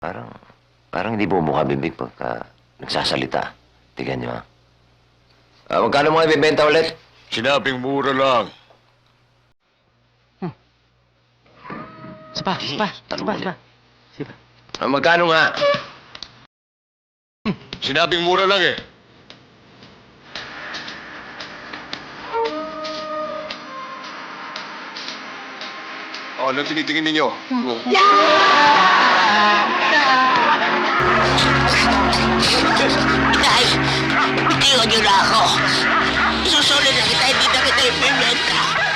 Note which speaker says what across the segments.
Speaker 1: Parang, parang hindi bumukha bibig pagka nagsasalita. Tignan niyo, ha? Magkano mo ibibenta ulit?
Speaker 2: Sinabing mura lang.
Speaker 3: Sipa.
Speaker 1: Magkano nga?
Speaker 2: Sinabing mura lang eh. Ano tinitingin ninyo?
Speaker 4: Ay, bitiwan niyo na ako. Isusulit na kita, hindi na kita ipimenta.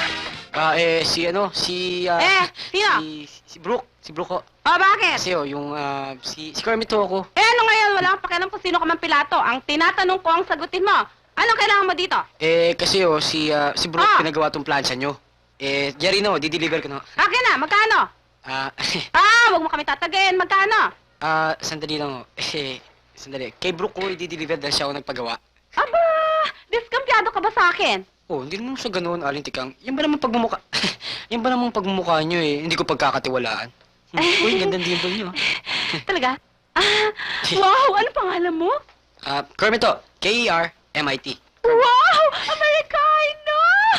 Speaker 5: Sino?
Speaker 3: Si Brooke. Si Brooke, ho.
Speaker 5: Oh, bakit?
Speaker 3: Kasi, si Kermit ho ako.
Speaker 5: Ano ngayon? Wala akong pakialam kung sino ka man Pilato. Ang tinatanong ko ang sagutin mo. Anong kailangan mo dito?
Speaker 3: Kasi, si Brooke,
Speaker 5: Ah.
Speaker 3: pinagawa tong plancha nyo. Jerry, no, di-deliver ko, no.
Speaker 5: Akin na, magkano?
Speaker 3: Ah,
Speaker 5: Huwag mo kami tatagayin. Magkano?
Speaker 3: sandali lang, ho. Sandali. Kay Brooke ko, i-deliver dahil siya ako nagpagawa.
Speaker 5: Aba, diskampiado ka ba sa akin?
Speaker 3: Oh, hindi naman sa ganoon, Aling Tikang. Yan ba naman pagmumukha... yan ba naman pagmumukha nyo, eh. Hindi ko pagkakatiwalaan. Uy, gandang dimple nyo,
Speaker 5: Talaga? Wow, ano pangalan mo?
Speaker 3: Kermit, ho. K-E-R-M-I-T.
Speaker 5: Wow, Americano!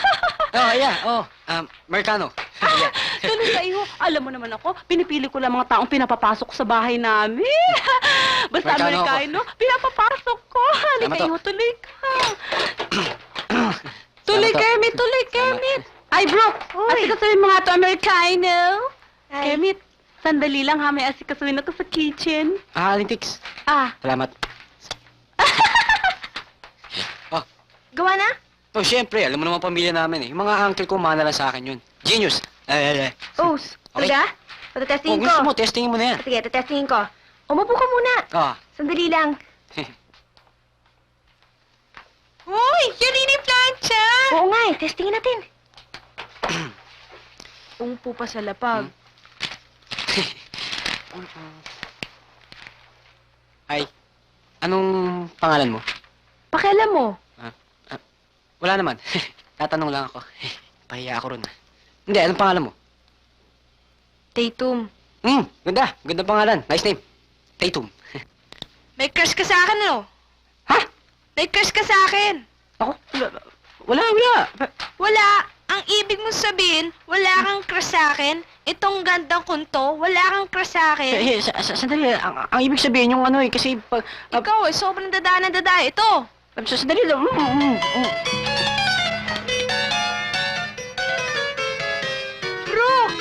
Speaker 3: Americano.
Speaker 5: Ganun sa iyo. Alam mo naman ako, pinipili ko lang mga taong pinapapasok sa bahay namin. Basta
Speaker 3: Amerikano ako.
Speaker 5: Amerikano, pinapapasok ko. Halika
Speaker 3: Tama to.
Speaker 5: iyo, tuloy ka. Tuloy,
Speaker 3: Tama to.
Speaker 5: Kermit, tuloy, Kermit. Ay, Brooke, asikasuhin mo nga to, Americano. Kermit, sandali lang ha, may asikasuhin ako sa kitchen.
Speaker 3: Aling Tix. Salamat.
Speaker 5: Gawa na?
Speaker 3: Oh, syempre, alam mo naman pamilya namin, eh. Yung mga uncle ko, mana lang sa akin yun. Genius.
Speaker 6: Os,
Speaker 3: Okay.
Speaker 6: talaga?
Speaker 3: Oh,
Speaker 6: Patatestingin
Speaker 3: gusto
Speaker 6: ko.
Speaker 3: mo, testingin mo na yan.
Speaker 6: Sige, tatestingin ko. Umupo ka muna. Sandali lang.
Speaker 5: Uy, yun yung plancha!
Speaker 6: Oo nga eh, testingin natin.
Speaker 5: Umupo pa sa lapag.
Speaker 3: Ay, anong pangalan mo?
Speaker 6: Pakialam mo.
Speaker 3: Wala naman. Tatanong lang ako. Pahiya ako ron. Hindi, anong pangalan mo?
Speaker 6: Tatum.
Speaker 3: Ganda. Ganda pangalan. Nice name. Tatum.
Speaker 5: May crush ka sa akin, ano?
Speaker 3: Ha?
Speaker 5: May crush ka sa akin.
Speaker 3: Ako? Wala.
Speaker 5: Wala. Ang ibig mo sabihin, wala kang crush sa akin? Itong gandang kunto, wala kang crush sa akin?
Speaker 3: Sandali. Ang ibig sabihin yung ano eh, kasi pag...
Speaker 5: Ikaw eh, sobrang dada ng dada. Ito.
Speaker 3: Sandali lang.
Speaker 5: Brooke!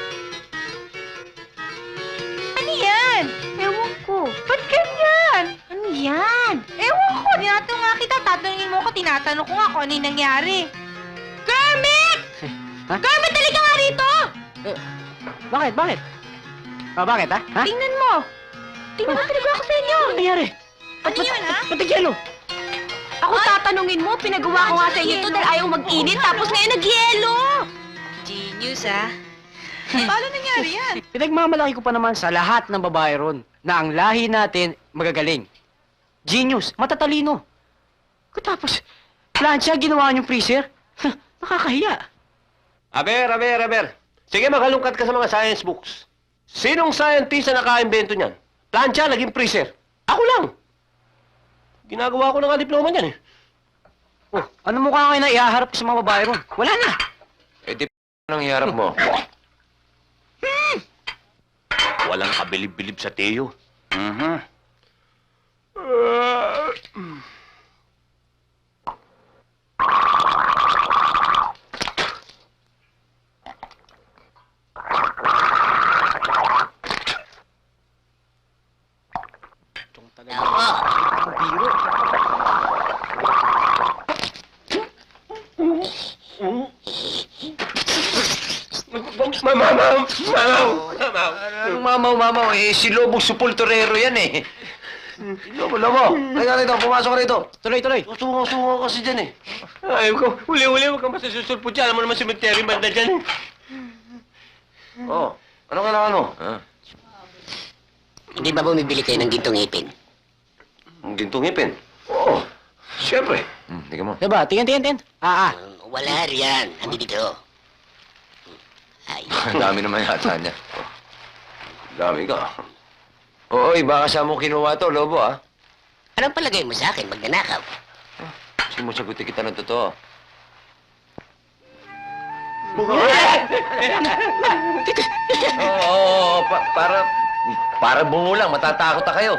Speaker 5: Ano yan?
Speaker 6: Ewan ko.
Speaker 5: Ba't ganyan?
Speaker 6: Ano yan?
Speaker 5: Ewan ko, tinatanong nga kita. Tatanungin mo ko, tinatanong ko nga kung ano yung nangyari. Kermit!
Speaker 3: Ha?
Speaker 5: Kermit, talaga nga rito!
Speaker 3: Bakit? Bakit, ha? Ha?
Speaker 6: Tingnan mo. Tingnan mo, pinagawa ko sa inyo.
Speaker 3: Ano nangyari?
Speaker 5: Ano yun, ha?
Speaker 3: Ba't nagyelo?
Speaker 6: Ako tatanungin mo, pinagawa ko nga sa inyo to dahil ayaw mag-init, tapos ngayon nag-yelo.
Speaker 5: Genius, ha? Paano nangyari yan?
Speaker 3: Pinagmamalaki ko pa naman sa lahat ng babae ron na ang lahi natin magagaling. Genius, matatalino. Tapos, plancha, ginawa niyong freezer? Nakakahiya.
Speaker 1: Aber. Sige, makalungkat ka sa mga science books. Sinong scientist na naka-invento niyan? Plancha, naging freezer. Ako lang. Ginagawa ko na nga diploma niyan, eh.
Speaker 3: Oh, ano mukha kayo na ihaharap sa mga babae ron? Wala na.
Speaker 1: Di anong iharap mo? Walang kabilib-bilib sa Teo.
Speaker 3: Itong tagal. Ang biro.
Speaker 1: Mamaw. Si Lobo Supultorero yan, eh. Lobo. Halika rito, pumasok ka rito.
Speaker 3: Tuloy.
Speaker 1: Sungo kasi dyan, eh. Ay, huli, huwag kang masusulpo dyan. Alam mo naman cemetery, banda dyan, eh. Oh, ano kailangan mo?
Speaker 4: Hindi ba bumibili kayo ng gintong ipin?
Speaker 1: Ang gintong ipin? Oo, siyempre. Tingnan mo.
Speaker 3: Diba? Tingin.
Speaker 4: Wala riyan. Andi dito. Ay,
Speaker 1: Ang dami naman yata niya. Dami ka. Oo, baka sa mo kinuha to, Lobo, ah.
Speaker 4: Anong palagay mo sa akin, magnanakaw?
Speaker 1: Sumusagutin kita ng totoo. Oo, para bumulang, matatakot na kayo.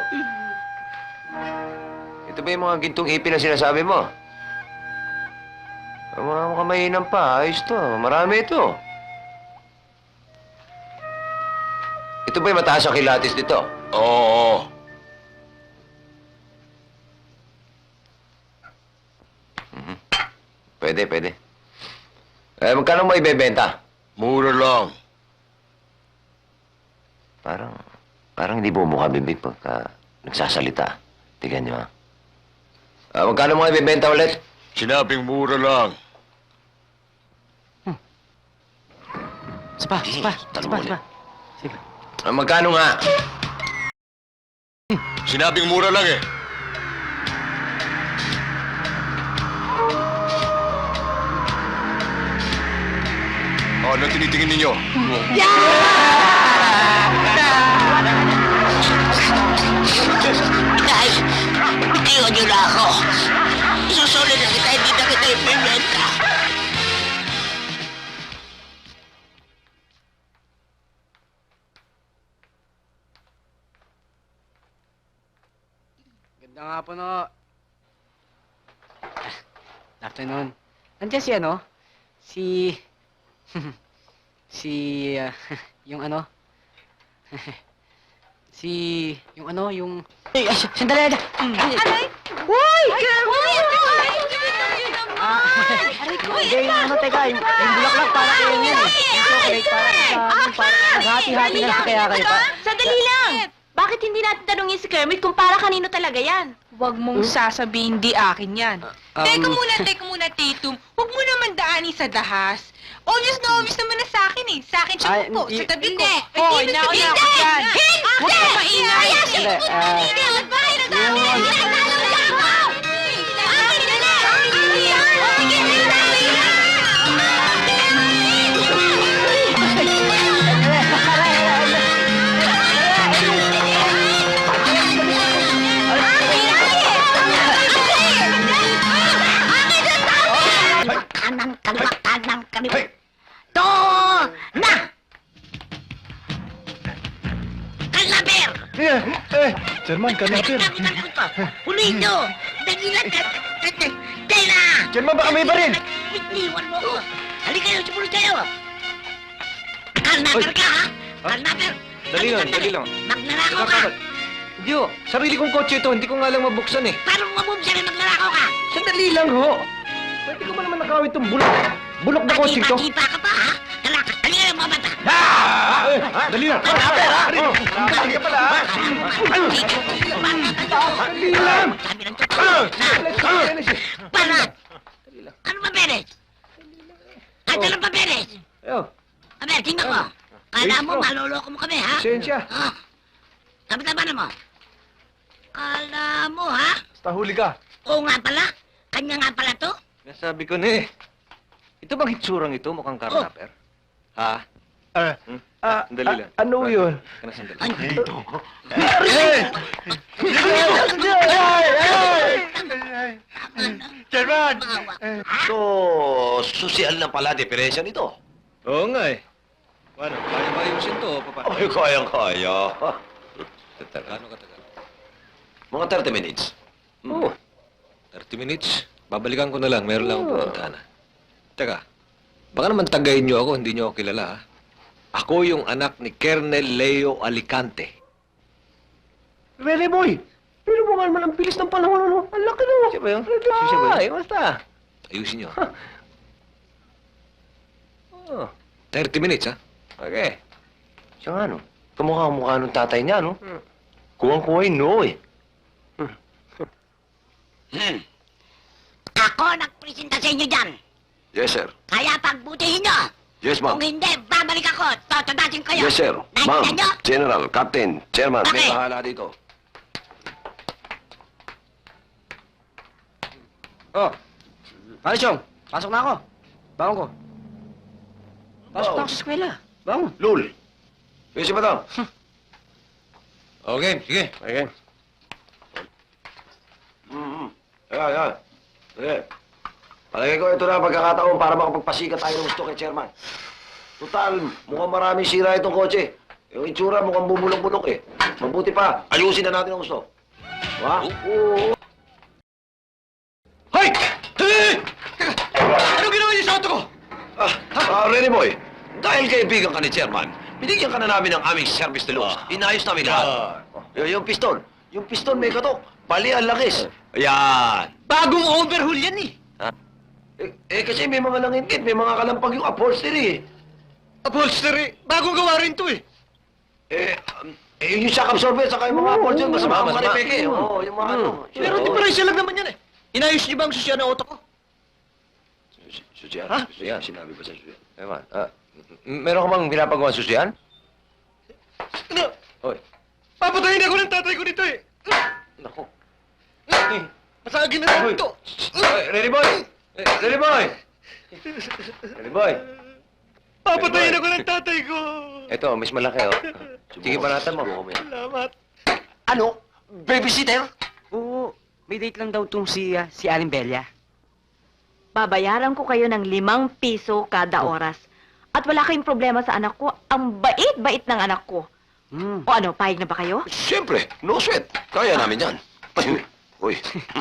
Speaker 1: Ito ba yung mga gintong ipin na sinasabi mo? Ang mga kamahinan pa, ayos to. Marami ito. Ito ba yung mataas ang kilatis dito?
Speaker 2: Oo.
Speaker 1: Pwede, pwede. Magkano mo ibebenta?
Speaker 2: Mura lang.
Speaker 1: Parang hindi bumukha bibig pagka nagsasalita. Tignan niyo, ha? Magkano mo ibebenta ulit?
Speaker 2: Sinabing mura lang.
Speaker 3: Sapa.
Speaker 1: Tanong ulit. Magkano nga?
Speaker 2: Sinabing mura lang eh. Ano tinitingin ninyo?
Speaker 4: Tay, bitiwan niyo na ako. Isusulit na kita, hindi na kita ipibenta.
Speaker 3: Ganda nga po, no. Afternoon. Nandiyan si ano? Si... yung ano? Yung... Ay, sandali.
Speaker 6: Aray! Uy!
Speaker 3: Hindi, yung ano, teka, yung bulaklak para kayo yun eh. Yung chocolate para maghati-hati na kaya kayo pa.
Speaker 6: Sandali lang! Bakit hindi natin tanungin si Kermit kung para kanino talaga yan?
Speaker 5: Huwag mong sasabihin di akin yan.
Speaker 7: Teka muna, Tatum. Huwag mo naman daanin sa dahas. Obvious naman na sa akin eh. Sa akin siya
Speaker 3: Ay,
Speaker 7: po, sa tabi ko.
Speaker 5: Hoy, nauna ako dyan.
Speaker 7: Huwag ka maingay.
Speaker 4: Kanan, kaliwa. To na! Kalaber!
Speaker 8: German, kanaper.
Speaker 4: Huliin nyo! Dagilan! Tela!
Speaker 8: German, baka may baril!
Speaker 4: Iwan mo ko! Halika kayo, sumulot kayo! Kalnaper ka, ha? Kalnaper!
Speaker 8: Dali lang.
Speaker 4: Magnanakaw ka!
Speaker 8: Hindi ho, sarili kong kotse ito, hindi ko nga lang mabuksan eh.
Speaker 4: Paano mo mabubuksan na magnanakaw ka?
Speaker 8: Sandali lang ho. Pwede ko ba naman nakawin itong bulok na kotse ito?
Speaker 4: Pati-pati pa ka pa, ha? Halika kayo mga bata!
Speaker 8: Dali lang. Kanaper, ha? Dali ka pala, ha?
Speaker 4: Dali lang! Sabi ng totoo! Panat! Ano ba, Beres? Ano ba, Beres?
Speaker 8: Ayo,
Speaker 4: Aber, tingnan ko. Kala mo, maloloko mo kami, ha?
Speaker 8: pasensya.
Speaker 4: Ha? Tama mo. Kala mo, ha?
Speaker 8: Basta huli ka.
Speaker 4: Oo nga pala. Kanya nga pala to.
Speaker 8: Nasabi ko na eh. Ito bang hitsurang ito, mukhang karnaper? Ha? Dali lang. Ano yun? Kana sandali.
Speaker 4: German!
Speaker 1: So, social na pala diferensya nito.
Speaker 8: Oo nga eh. Ano, kaya ba ayusin to?
Speaker 1: Ay, kayang-kaya.
Speaker 8: Gaano katagal?
Speaker 1: Mga 30 minutes.
Speaker 8: Oo. 30 minutes? Babalikan ko na lang. Meron lang akong pupuntahan. Teka, baka naman tagayin niyo ako, hindi niyo ako kilala, ha? Ako yung anak ni Colonel Leo Alicante.
Speaker 1: Really, boy? Pero mo man ang bilis ng panahon, ano? Ang laki na.
Speaker 8: Siya ba yun?
Speaker 1: Siya ba yun? Basta.
Speaker 8: Ayusin niyo.
Speaker 1: Oh,
Speaker 8: 30 minutes, ha?
Speaker 1: okay. Siya nga, no? Kamukha ng tatay niya, no? Kuwang-kuway, no, eh.
Speaker 4: Ako nagpresenta sa inyo dyan.
Speaker 1: Yes, sir.
Speaker 4: Kaya pagbutihin nyo.
Speaker 1: Yes, ma'am.
Speaker 4: Kung hindi, babalik ako. Totadasin kayo.
Speaker 1: Yes, sir. Ma'am,
Speaker 4: Nakita nyo?
Speaker 1: General, Captain, Chairman, may
Speaker 4: Okay.
Speaker 1: bahala dito.
Speaker 3: Oh. Ano, Chong? Pasok na ako. Bangon ko. Pasok na ako sa eskwela. Bangon.
Speaker 1: Lul, busy ba daw?
Speaker 8: Okay, sige.
Speaker 1: Okay.
Speaker 9: Ayan. Sige. Palagay ko ito na ang pagkakataon para makapagpasikat tayo ng gusto kay Chairman. Total, mukhang maraming sira itong kotse. Yung itsura mukhang bumulong-bulok eh. Mabuti pa, ayusin na natin ang gusto. Ha? Oo.
Speaker 8: Hoy! Hey! Ano ginawa niyo sa auto ko?
Speaker 9: Rene Boy, dahil kaibigan ka ni Chairman, binigyan ka na namin ng aming service deluxe. Inayos namin lahat. Yung piston may katok. Pali ang langis. Ayan.
Speaker 3: Bagong overhaul yan eh.
Speaker 9: Kasi may mga langit, may mga kalampag yung upholstery.
Speaker 8: Upholstery? Bagong gawa rin to eh.
Speaker 9: Yung shock absorber, saka yung mga upholstery, masama mga repeke. Oo, yung mga ano.
Speaker 8: Pero diferensya lang naman yan eh. Inayos niyo ba ang susyan ng auto ko?
Speaker 9: Susiyan? Susiyan? Sinabi ba sa susiyan? Ewan. Meron ka bang pinapagawa susiyan?
Speaker 8: Ano?
Speaker 9: Hoy.
Speaker 8: Papatayin ako ng tatay ko nito eh.
Speaker 9: Nako.
Speaker 8: Masagin na rin ito.
Speaker 9: Ready boy! Ready boy! Ready boy!
Speaker 8: Papatayin ako ng tatay ko.
Speaker 9: Ito, mas malaki oh. Sige, banatan mo.
Speaker 8: Salamat.
Speaker 9: Ano? Babysitter?
Speaker 3: Oo, may date lang daw tong si Aling Bella.
Speaker 6: Babayaran ko kayo ng 5 piso kada oras. At wala kayong problema sa anak ko. Ang bait-bait ng anak ko.
Speaker 3: Hmm.
Speaker 6: O ano, payag na ba kayo?
Speaker 9: Siyempre, no sweat. Kaya namin yan. Uy.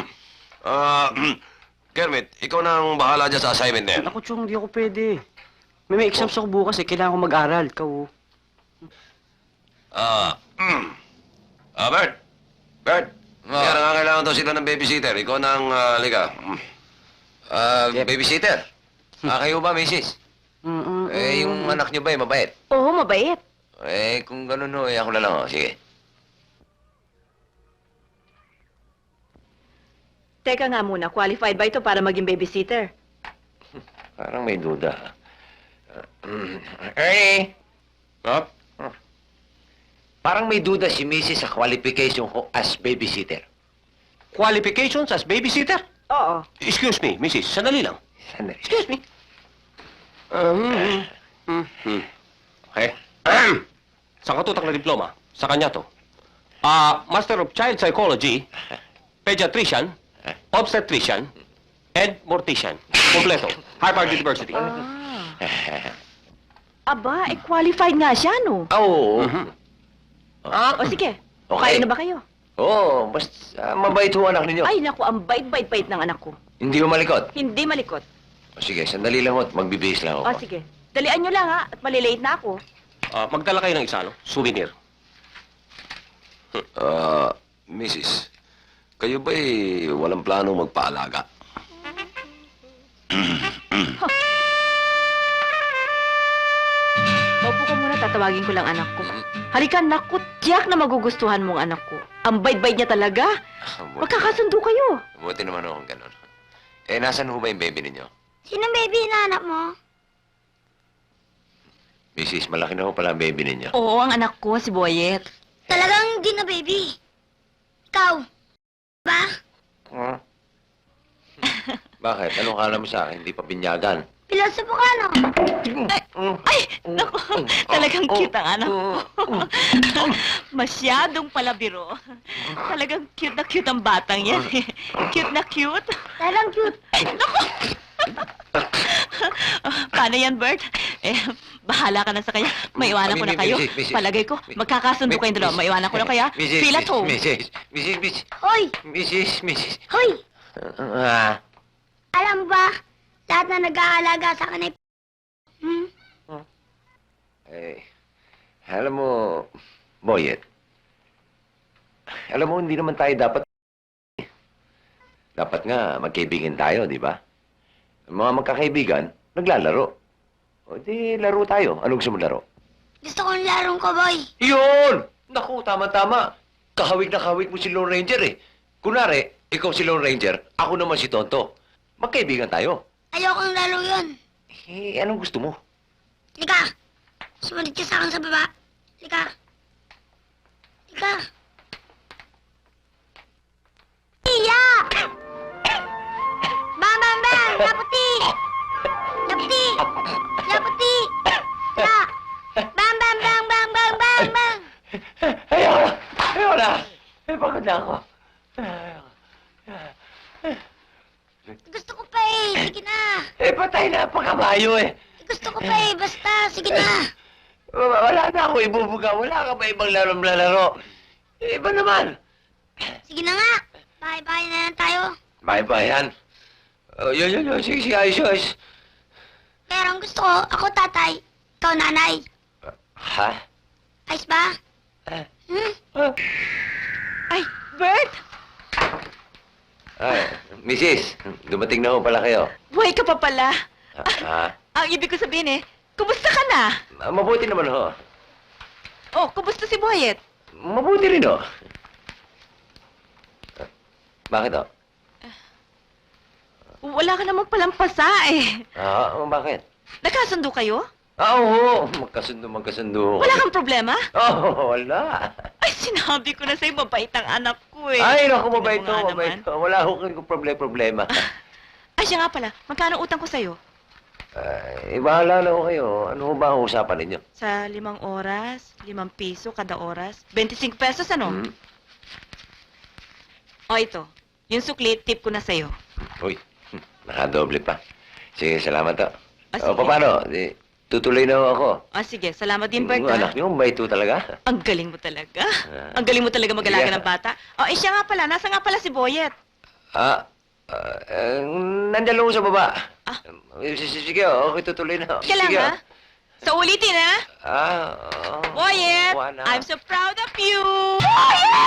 Speaker 9: Kermit, ikaw na ang bahala dyan sa assignment na yan.
Speaker 3: Naku, Chong, hindi ako pwede. May exams ako bukas eh. Kailangan ko mag-aral. Ikaw, oh.
Speaker 9: Bert. Bert. Kaya nangangailangan daw sila ng babysitter. Ikaw na ang, liga. Babysitter. Kayo ba, misis? Yung anak niyo ba, mabait?
Speaker 6: Oo, mabait.
Speaker 9: Kung gano'n, no, ako na lang, oh. Sige.
Speaker 6: Teka nga muna, qualified ba ito para maging babysitter?
Speaker 9: Parang may duda. Ernie! Huh? Parang may duda si Mrs. sa qualification ko as babysitter.
Speaker 1: Qualifications as babysitter?
Speaker 6: Oo.
Speaker 1: Excuse me, Mrs. Sandali lang.
Speaker 9: Sandali.
Speaker 1: Excuse me. Okay. Sa katutak na diploma, sa kanya to. Master of Child Psychology, Pediatrician, Obstetrician, and Mortician. Kompleto. Harvard University.
Speaker 6: Aba, qualified nga siya, no?
Speaker 9: Oo.
Speaker 6: O sige,
Speaker 9: Okay.
Speaker 6: kaya na ba kayo?
Speaker 9: Oo, basta mabait ho anak ninyo.
Speaker 6: Ay, naku, ang bait-bait-bait ng anak ko.
Speaker 9: Hindi ho malikot.
Speaker 6: Hindi malikot.
Speaker 9: O sige, sandali lang ho at magbibihis lang
Speaker 6: O
Speaker 9: ako.
Speaker 6: sige, dalian nyo lang ha, at malilate na ako.
Speaker 1: Magdala kayo ng isa, no? Souvenir.
Speaker 9: Mrs. Kayo ba'y walang plano magpaalaga?
Speaker 6: Maupo ka muna, tatawagin ko lang anak ko. Halika, naku, tiyak na magugustuhan mong anak ko. Ang bait-bait niya talaga. Magkakasundo kayo.
Speaker 9: Buti naman ho kung ganun. Nasaan ho ba yung baby ninyo?
Speaker 10: Sinong baby hinahanap mo?
Speaker 9: Mrs., malaki na ho pala ang baby ninyo.
Speaker 6: Oo, ang anak ko, si Boyet.
Speaker 10: Talagang hindi na baby. Ikaw. Ba?
Speaker 9: Huh? Bakit? Anong kala mo sa akin? Hindi pa binyagan.
Speaker 10: Pilosopo ka, no?
Speaker 6: Ay, naku, talagang cute ang anak ko. Masyadong palabiro. Talagang cute na cute ang batang yan. Cute na cute.
Speaker 10: Talagang cute.
Speaker 6: Paano yan, Bert? Bahala ka na sa kanya. Maiwanan ko na kayo. Palagay ko, magkakasundo kayong dalawa. Maiwanan ko na kaya. Feel at home.
Speaker 9: Mrs.
Speaker 10: Hoy!
Speaker 9: Mrs.
Speaker 10: Hoy! Alam mo ba, lahat na nag-aalaga sa kanay...
Speaker 9: Alam mo, Boyet, alam mo, hindi naman tayo dapat... Dapat nga, magkaibigan tayo, di ba? Ang mga magkakaibigan, naglalaro. O di, laro tayo. Anong gusto mo laro?
Speaker 10: Gusto kong larong cowboy.
Speaker 9: Yun! Naku, tama-tama. Kahawig na kahawig mo si Lone Ranger eh. Kunwari, ikaw si Lone Ranger, ako naman si Tonto. Magkaibigan tayo.
Speaker 10: Ayokong laro yun.
Speaker 9: Anong gusto mo?
Speaker 10: Lika! Sumunod ka sa akin sa baba. Lika! Lika! Iya! Bang, bang, bang! Laputi! Laputi! Laputi! La! Bang, bang, bang, bang, bang, bang, bang!
Speaker 9: Ayoko! pagod na ako.
Speaker 10: Gusto ko pa eh. Sige na.
Speaker 9: Patay na pa kabayo eh.
Speaker 10: Gusto ko pa eh. Basta, sige na.
Speaker 9: Wala na ako ibubuga. Wala ka ba ibang laro? Iba naman.
Speaker 10: Sige na nga. Bye-bye na lang tayo.
Speaker 9: Bye-bye yan. Yun. Sige, ayos.
Speaker 10: Pero ang gusto ko, ako tatay. Ikaw nanay.
Speaker 9: Ha?
Speaker 10: Ayos ba?
Speaker 6: Ay, Bert!
Speaker 9: Ay, Mrs. Dumating na ho pala kayo.
Speaker 6: Buhay ka pa pala.
Speaker 9: Ha?
Speaker 6: Ang ibig ko sabihin kumusta ka na?
Speaker 9: Mabuti naman ho.
Speaker 6: Oh, kumusta si Boyet?
Speaker 9: Mabuti rin ho. Bakit ho?
Speaker 6: Wala ka namang palang pasa eh.
Speaker 9: Bakit?
Speaker 6: Nagkasundo kayo?
Speaker 9: Oo, magkasundo.
Speaker 6: Wala kang problema?
Speaker 9: Wala.
Speaker 6: Ay, sinabi ko na sa'yo, mabait ang anak ko eh.
Speaker 9: Ay, naku, mabait
Speaker 6: Tingnan mo nga
Speaker 9: mabait
Speaker 6: naman.
Speaker 9: to. Wala ho kang problema.
Speaker 6: Ay, siya nga pala, magkano utang ko sa'yo?
Speaker 9: Bahala na ho kayo. Ano ho ba ang usapan ninyo?
Speaker 6: Sa 5 oras, 5 piso kada oras, 25 pesos ano? O ito, yung sukli, tip ko na sa'yo.
Speaker 9: Uy, nakadoble pa. Sige, salamat ho.
Speaker 6: Sige.
Speaker 9: Paano? Tutuloy na ho ako.
Speaker 6: Sige, salamat din, Bert.
Speaker 9: Yung anak niyo, mabait ho talaga.
Speaker 6: Ang galing mo talaga. Ang galing mo talaga mag-alaga ng bata. Siya nga pala, nasa nga pala si Boyet.
Speaker 9: Nandiyan lang ho sa baba. Sige, okay, tutuloy na ho.
Speaker 6: Sige lang, ha? So, ulitin, ha?
Speaker 9: Oo.
Speaker 6: Boyet,
Speaker 9: Buwan na.
Speaker 6: I'm so proud of you! Boyet!